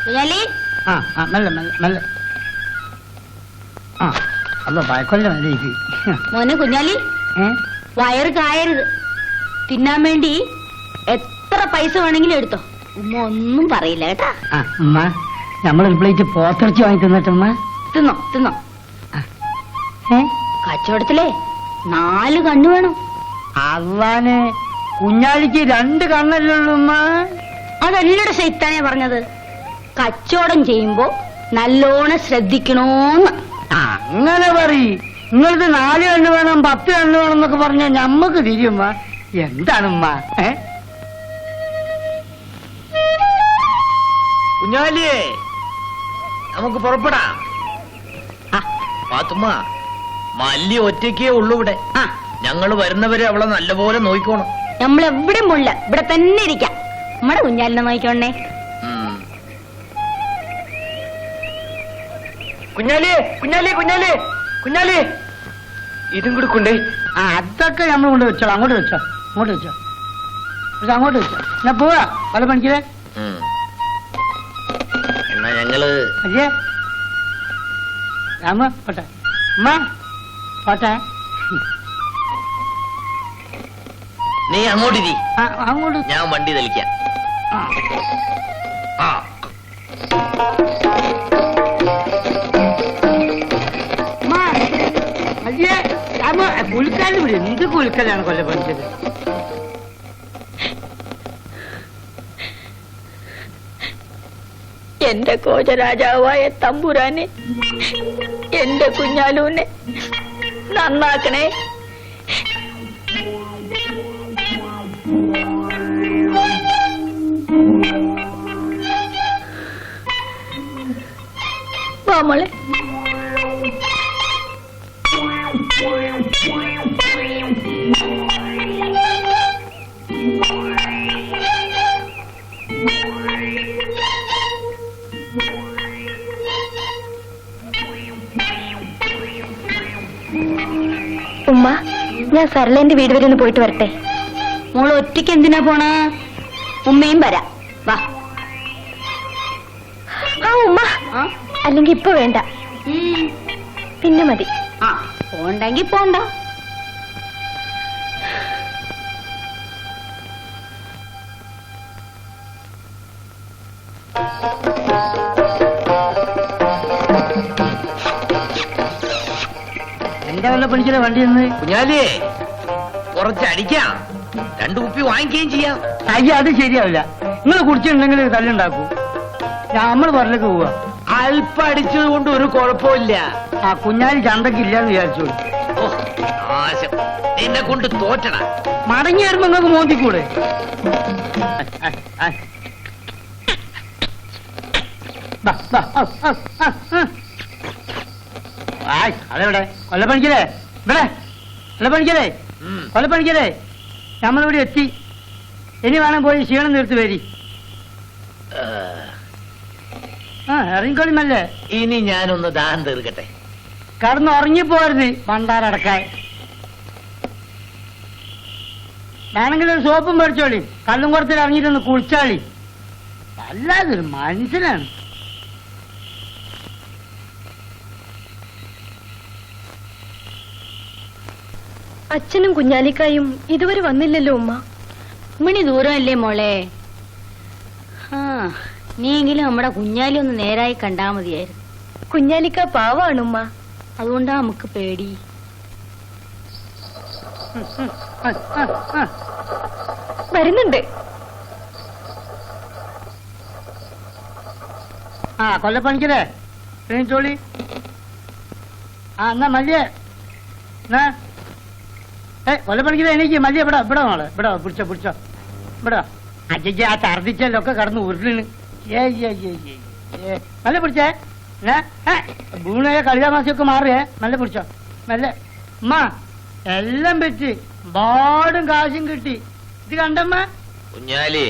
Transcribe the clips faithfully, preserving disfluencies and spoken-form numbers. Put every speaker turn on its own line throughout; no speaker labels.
ആ ആ മെല്ലെ മെല്ലെ മെല്ലെ ആ അല്ല ഭയക്കൊല്ല മതി
മോനെ കുഞ്ഞാലി
ഏ
വയറ് കായരുത്. തിന്നാൻ വേണ്ടി എത്ര പൈസ വേണമെങ്കിലും എടുത്തോ. ഉമ്മ ഒന്നും പറയില്ല കേട്ടാ.
ആ ഉമ്മ നമ്മളൊരു പ്ലേറ്റ് പോത്തിറച്ചി വാങ്ങി തിന്നിട്ടുമ്മ.
തിന്നോ തിന്നോ.
ഏ
കച്ചവടത്തിലേ നാല് കണ്ണു വേണം.
അള്ളാനെ കുഞ്ഞാലിക്ക് രണ്ട് കണ്ണല്ലുള്ളൂ ഉമ്മ.
അതല്ലടെ ശൈത്താനെ പറഞ്ഞത്. കച്ചവടം ചെയ്യുമ്പോ നല്ലോണം ശ്രദ്ധിക്കണോന്ന്.
അങ്ങനെ പറയ്. നിങ്ങൾക്ക് നാല് കണ്ണ് വേണം പത്ത് കണ്ണ് വേണം എന്നൊക്കെ പറഞ്ഞാൽ ഞമ്മക്ക് തിരിയുമ്മ. എന്താണുമ്മ? ഏ
കുഞ്ഞാലിയേ നമുക്ക് പുറപ്പെടാം. പാത്തുമ്മ മല്ലി ഒറ്റയ്ക്കേ ഉള്ളൂ ഇവിടെ.
ആ
ഞങ്ങള് വരുന്നവരെ അവളെ നല്ലപോലെ നോക്കിക്കോണം.
നമ്മളെവിടെ മുള്ള ഇവിടെ തന്നെ ഇരിക്കാം. നമ്മുടെ കുഞ്ഞാലിനെ നോക്കിക്കോണേ.
കുഞ്ഞാലി കുഞ്ഞാലി കുഞ്ഞാലി കുഞ്ഞാലി ഇതും കൂടെ കൊണ്ടേ.
ആ അതൊക്കെ നമ്മൾ കൊണ്ട് വെച്ചോ. അങ്ങോട്ട് വെച്ചോ അങ്ങോട്ട് വെച്ചോ അങ്ങോട്ട് വെച്ചോ. ഞാൻ പോവാ പല പണിക്കേ.
എന്നാ ഞങ്ങള്
അയ്യേ രാമ പോട്ടെ ഉമ്മ പോട്ടെ.
നീ അങ്ങോട്ടിരി,
ആ അങ്ങോട്ട്.
ഞാൻ വണ്ടി തെളിക്കാം.
ആ
ആ
അയ്യേ രാമ കുലുക്കാലും വിടും. എന്ത് കുലുക്കലാണ് കൊല്ല പഠിച്ചത്.
എന്റെ കോചരാജാവായ തമ്പുരാനെ, എന്റെ കുഞ്ഞാലൂനെ നന്നാക്കണേ. വാ മോളെ.
ഉമ്മ, ഞാൻ സർലേന്റെ വീട് വരെ ഒന്ന് പോയിട്ട് വരട്ടെ.
മോള് ഒറ്റയ്ക്ക് എന്തിനാ പോണ? ഉമ്മയും വരാം. വാ.
ആ ഉമ്മ, അല്ലെങ്കിൽ ഇപ്പൊ വേണ്ട, പിന്നെ മതി.
ആ പോണ്ടെങ്കി പോണ്ട.
എന്താ വല്ല പഠിക്കുന്ന വണ്ടി നിന്ന്.
കുഞ്ഞാലിയേ കുറച്ചടിക്കാം, രണ്ടു കുപ്പി വാങ്ങിക്കുകയും ചെയ്യാം.
അയ്യ അത് ശരിയാവില്ല. നിങ്ങൾ കുടിച്ചിട്ടുണ്ടെങ്കിൽ തല്ലുണ്ടാക്കൂ. നമ്മൾ പുറത്തേക്ക് പോവാ.
അല്പം അടിച്ചത് കൊണ്ട് ഒരു കുഴപ്പമില്ല.
ആ കുഞ്ഞാലി ചന്തക്ക് ഇല്ലാന്ന് വിചാരിച്ചോളൂ.
ഓ നാശം, നിന്നെ കൊണ്ട് തോറ്റണ.
മടങ്ങി വരുമ്പോ നിങ്ങൾക്ക് മോന്തിക്കൂടെ? അതെവിടെ കൊല്ലപ്പണിക്കലേ? ഇവിടെ കൊല്ലപ്പണിക്കലേ കൊല്ലപ്പണിക്കലേ നമ്മളിവിടെ എത്തി. ഇനി വേണം പോയി ക്ഷീണം നിർത്തി വരി. ആ ഇറങ്ങിക്കോളിമല്ലേ.
ഇനി ഞാനൊന്ന് ദാഹം തീർക്കട്ടെ.
കടന്ന് ഉറങ്ങിപ്പോരുത് പണ്ടാരടക്കാൻ. വേണമെങ്കിൽ ഒരു സോപ്പും മേടിച്ചോളി. കല്ലും കുറത്തിൽ ഇറങ്ങിയിട്ടൊന്ന് കുളിച്ചാളി. വല്ലാതൊരു മനുഷ്യനാണ്.
അച്ഛനും കുഞ്ഞാലിക്കായും ഇതുവരെ വന്നില്ലല്ലോ ഉമ്മ.
മണി ദൂരമല്ലേ മോളെ. ആ നീയെങ്കിലും നമ്മുടെ കുഞ്ഞാലി ഒന്ന് നേരായി കണ്ടാ മതിയായിരുന്നു.
കുഞ്ഞാലിക്ക പാവാണ് ഉമ്മ.
അതുകൊണ്ടാ നമുക്ക് പേടി.
വരുന്നുണ്ട്.
ആ കൊല്ലപ്പണിക്കലേ ചോളി. ആ എന്നാ മല്ലിയ എന്നാ ഏ കൊല്ലപ്പണിക്കലേ എനിക്ക് മല്ലിയ ഇവിടെ ഇവിടെ മോളെ ഇവിടെ പിടിച്ചോ പിടിച്ചോ ഇവിടെ. അജയ്ക്ക് ആ ഛർദിച്ചല്ലൊക്കെ കടന്ന് ഉരുളിന്. ഏ ഏ നല്ല പിടിച്ചേ. വീണയെ കളിതാമാസിയൊക്കെ മാറിയേ. നല്ല പിടിച്ചോ നല്ല. ഉമ്മ എല്ലാം പറ്റി പാടും കാശും കിട്ടി. ഇത് കണ്ടമ്മ
കുഞ്ഞാലി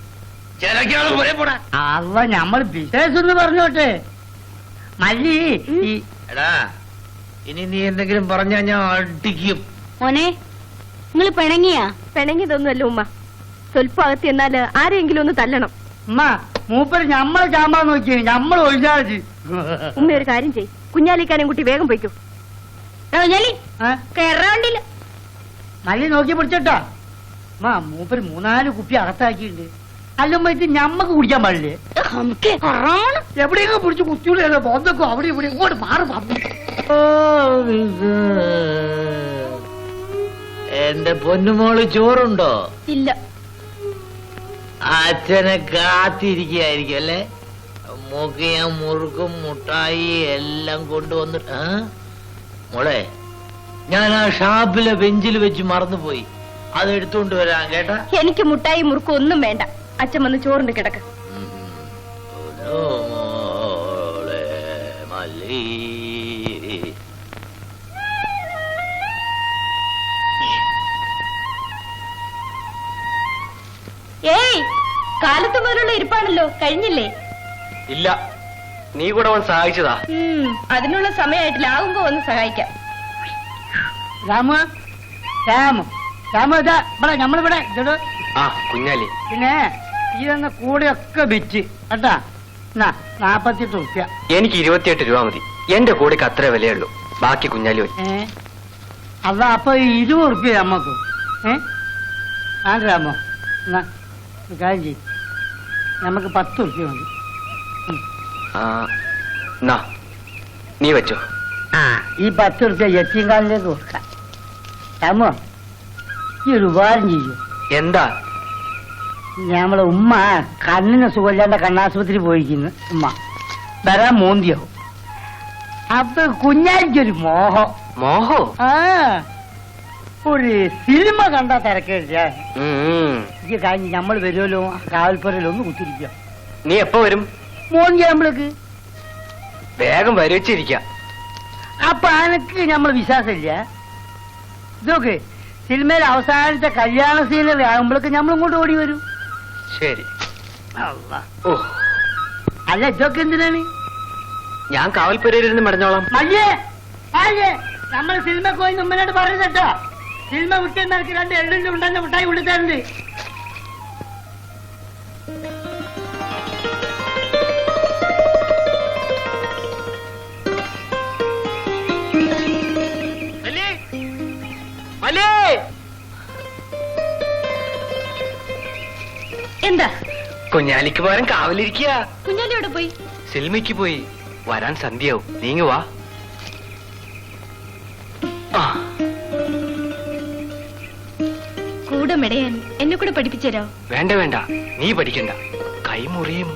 അവ ഞമ്മൾ ബിസിനസ് എന്ന് പറഞ്ഞോട്ടെ. മല്ലി
എടാ ഇനി നീ എന്തെങ്കിലും പറഞ്ഞാ ഞാൻ അടിക്കും.
മോനെ നിങ്ങൾ പിണങ്ങിയാ?
പിണങ്ങിയതൊന്നുമല്ല ഉമ്മ. സ്വല്പം അകത്ത് എന്നാല് ആരെങ്കിലും ഒന്ന് തല്ലണം.
ഉമ്മ മൂപ്പര് ഞമ്മളെ ചാമ്പാൻ നോക്കിയ ഞമ്മൾ ഒഴിഞ്ഞാൽ
ഉമ്മ ഒരു കാര്യം ചെയ്, കുഞ്ഞാലിക്കാനും കുട്ടി വേഗം പോയിക്കോ.
കുഞ്ഞാലി കേറാണ്ടില്ല.
മല്ലി നോക്കി പിടിച്ചോട്ടാ. മാ മൂപ്പര് മൂന്നാല് കുപ്പി അകത്താക്കിയിട്ടുണ്ട്. അല്ലുമ്പോ ഇത് ഞമ്മക്ക് കുടിക്കാൻ പാടില്ലേ? എവിടെയൊക്കെ പിടിച്ച് കുത്തിയുള്ളൂ ബോധക്കോ അവിടെ ഇവിടെ ഇങ്ങോട്ട് മാറി പറഞ്ഞു.
എന്റെ പൊന്നുമോള് ചോറുണ്ടോ?
ഇല്ല.
അച്ഛനെ കാത്തിരിക്കുകയായിരിക്കും അല്ലേ? മുഖയ മുറുക്കും മുട്ടായി എല്ലാം കൊണ്ടുവന്നിട്ട്. മോളെ, ഞാൻ ആ ഷാപ്പിലെ ബെഞ്ചിൽ വെച്ച് മറന്നുപോയി, അത് എടുത്തുകൊണ്ട് വരാൻ കേട്ടാ.
എനിക്ക് മുട്ടായി മുറുക്കും ഒന്നും വേണ്ട. അച്ഛൻ വന്ന് ചോറിന്റെ കിടക്ക്.
മോളെ മല്ലി,
ഏയ്, കാലത്ത് മുതലുള്ള ഇരിപ്പാണല്ലോ, കഴിഞ്ഞില്ലേ?
ഇല്ല, നീ കൂടെ വന്ന് സഹായിച്ചതാ.
ഉം, അതിനുള്ള സമയമായിട്ടില്ല, ആകുമ്പോ വന്ന് സഹായിക്കാം.
രാമു രാമു രാമു ഇതാ ഇവിടെ നമ്മളിവിടെ ഇതോ.
ആ കുഞ്ഞാലി,
പിന്നെ ഈ തന്ന കൂടെയൊക്കെ വിറ്റ് കേട്ടാ. എന്നാ നാപ്പത്തെട്ട് റുപ്യ.
എനിക്ക് ഇരുപത്തിയെട്ട് രൂപ മതി. എന്റെ കൂടെക്ക് അത്രേ വിലയുള്ളൂ. ബാക്കി കുഞ്ഞാലി പോയി.
ഏ അല്ല അപ്പൊ ഇരുപത് റുപ്യ നമ്മക്ക്. ഏ ആ രാമോ, എന്നാ ഒരു കാര്യം ചെയ്യും, നമുക്ക് പത്ത് റുപ്യ മതി.
ആ, നാ, നീ വെച്ചോ.
ആ ഈ പത്ത് റുപ്യ യത്തീംകാലിലേക്ക് കൊടുക്കാം. രാമോ, ഈ ഒരു ഉപകാരം ചെയ്യൂ.
എന്താ?
ഞമ്മളെ ഉമ്മ കണ്ണിന് സുഖമില്ലാണ്ട് കണ്ണാശുപത്രി പോയിരിക്കുന്നു. ഉമ്മ വരാൻ മോന്തിയാവും. അപ്പൊ കുഞ്ഞാലിക്കൊരു മോഹം.
മോഹോ?
ആ ഒരു സിനിമ കണ്ടാ തിരക്കേടില്ല. ഈ കഴിഞ്ഞ് നമ്മൾ വരുമല്ലോ കാവൽപ്പുരയിൽ ഒന്ന് കുത്തിരിക്കുക.
നീ എപ്പോ വരും?
മോന്തി നമ്മളേക്ക്
വേഗം വരച്ചിരിക്ക.
അപ്പൊ അനക്ക് നമ്മൾ വിശ്വാസമില്ല. ഇതൊക്കെ സിനിമയിൽ അവസാനത്തെ കല്യാണ സീനറി ആകുമ്പോഴേക്ക് നമ്മൾ ഇങ്ങോട്ട് ഓടി വരും.
ശരി.
അല്ലാ.
ഓ,
അല്ല ഇതൊക്കെ എന്തിനാണ്?
ഞാൻ കാവൽപ്പുരയിരുന്ന് മടഞ്ഞോളാം.
മയ്യേ മയ്യേ നമ്മൾ സിനിമ പോയി മുമ്പിനോട് പറയുന്നട്ടോ. സിനിമ വിട്ട് നിനക്ക് രണ്ട് എള്ളിന്റെ ഉണ്ടെന്ന് മിഠായി കൊടുത്തരുണ്ട്.
എന്താ?
കുഞ്ഞാലിക്ക് പകരം കാവലിരിക്കുക.
കുഞ്ഞാലി എവിടെ പോയി?
സിനിമയ്ക്ക് പോയി. വരാൻ സന്ധ്യയാവും. നീങ്ങുവാ.
കൂടെ മെടയാൻ എന്നെ കൂടെ പഠിപ്പിച്ചരോ?
വേണ്ട വേണ്ട, നീ പഠിക്കണ്ട, കൈമുറിയും.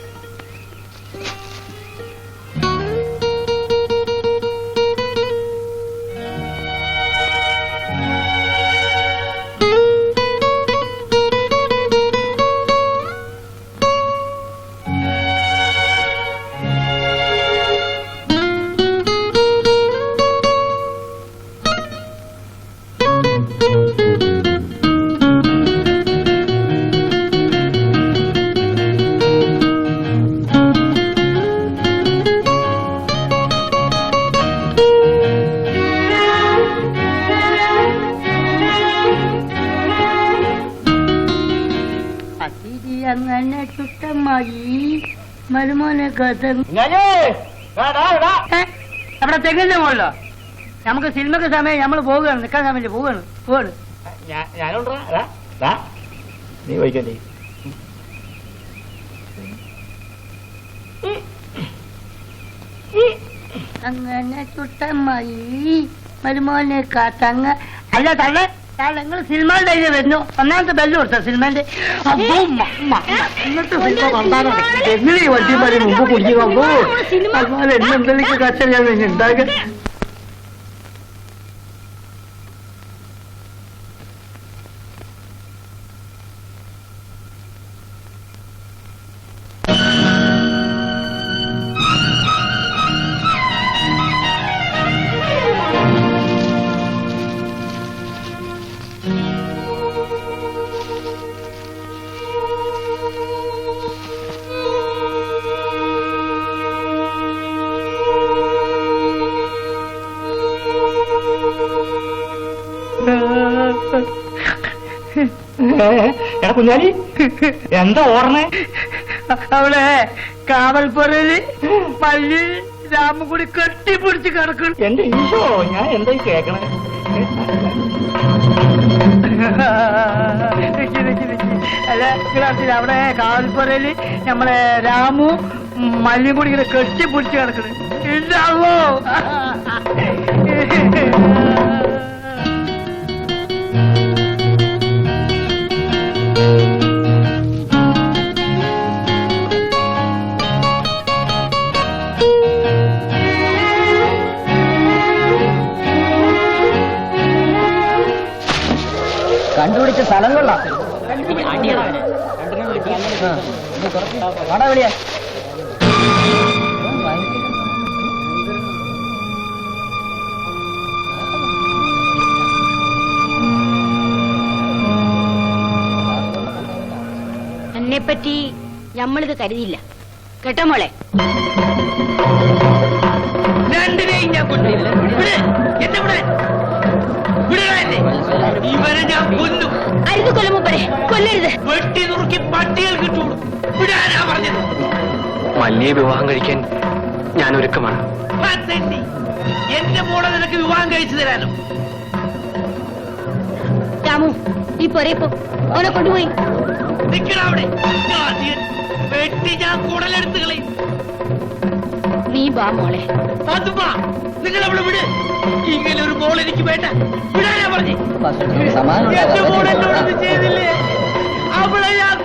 അങ്ങനെ ചുട്ടമായി മരുമോനെ കഥ അവിടെ തെങ്ങിന്റെ മുകളിലോ. നമുക്ക് സിനിമക്ക് സമയം നമ്മൾ പോവുകയാണ്, നിൽക്കാൻ സമയം പോവുകയാണ് പോവാണ്.
നീ വൈകല്ലേ?
അങ്ങനെ ചുട്ടമായി മരുമോനെ കാത്തങ്ങ. അല്ല തള്ള നിങ്ങൾ സിനിമയുടെ ഇതിൽ വരുന്നു. ഒന്നാമത്തെ ബെല്ല് കൊടുത്ത സിനിമന്റെ ഇന്നത്തെ സിനിമ കണ്ടാലും എങ്ങനെ ഈ വണ്ടിമാരെ മുമ്പ് കുടിക്കുമ്പോ അതുപോലെ എന്നെന്തെങ്കിലും കച്ച ഞാൻ ഉണ്ടാക്കുക. എടാ കുഞ്ഞാലി, എന്താ ഓർമ്മ? അവിടെ കാവൽപ്പുരയില് മല്ലി രാമും കൂടി കെട്ടിപ്പിടിച്ച് കിടക്കണം.
എന്റെ ഈശോ, ഞാൻ എന്തായി കേക്കണേ?
നിക്ക് നിക്ക് നിക്ക്. അല്ല നിങ്ങളറിയില്ല, അവിടെ കാവൽപ്പുരയില് നമ്മളെ രാമു മല്ലിയും കൂടി ഇങ്ങനെ കെട്ടിപ്പിടിച്ച് കിടക്കണം. ഇല്ലാവോ?
കണ്ടുപിടിച്ച സ്ഥലം കൊള്ളാം. കട വിളിയാ.
എന്നെപ്പറ്റി നമ്മളിത് കരുതിയില്ല കേട്ടോ മോളെ.
രണ്ടിനെയും ഞാൻ കൊണ്ടില്ല. എന്നെ ഇവിടെ ഇവരെ ഞാൻ കൊല്ലും.
അരുത് കൊല്ലുമ്പരെ കൊല്ലരുത്.
വെട്ടി നുറുക്കി പട്ടികൾ കിട്ടുള്ളൂ. വിടാനാ പറഞ്ഞത്.
മല്ലിയെ വിവാഹം കഴിക്കാൻ ഞാൻ ഒരുക്കമാണ്.
എന്റെ മോളെ നിനക്ക് വിവാഹം കഴിച്ചു തരാനോ?
രാമു നീ പോരേപ്പോ ഓനെ കൊണ്ടുപോയി.
നിക്കണ അവിടെ. വെട്ടി ഞാൻ കുടലെടുത്ത് കളയും.
നീ ബാ മോളെ.
അതുമ്മാ നിങ്ങൾ അവിടെ വിട്. ഇങ്ങനെ ഒരു മോൾ എനിക്ക് വേണ്ട. വിടാനാ പറഞ്ഞു. എന്റെ മോൾ എന്നോടൊന്നും ചെയ്തില്ലേ? അവളെ ഞാൻ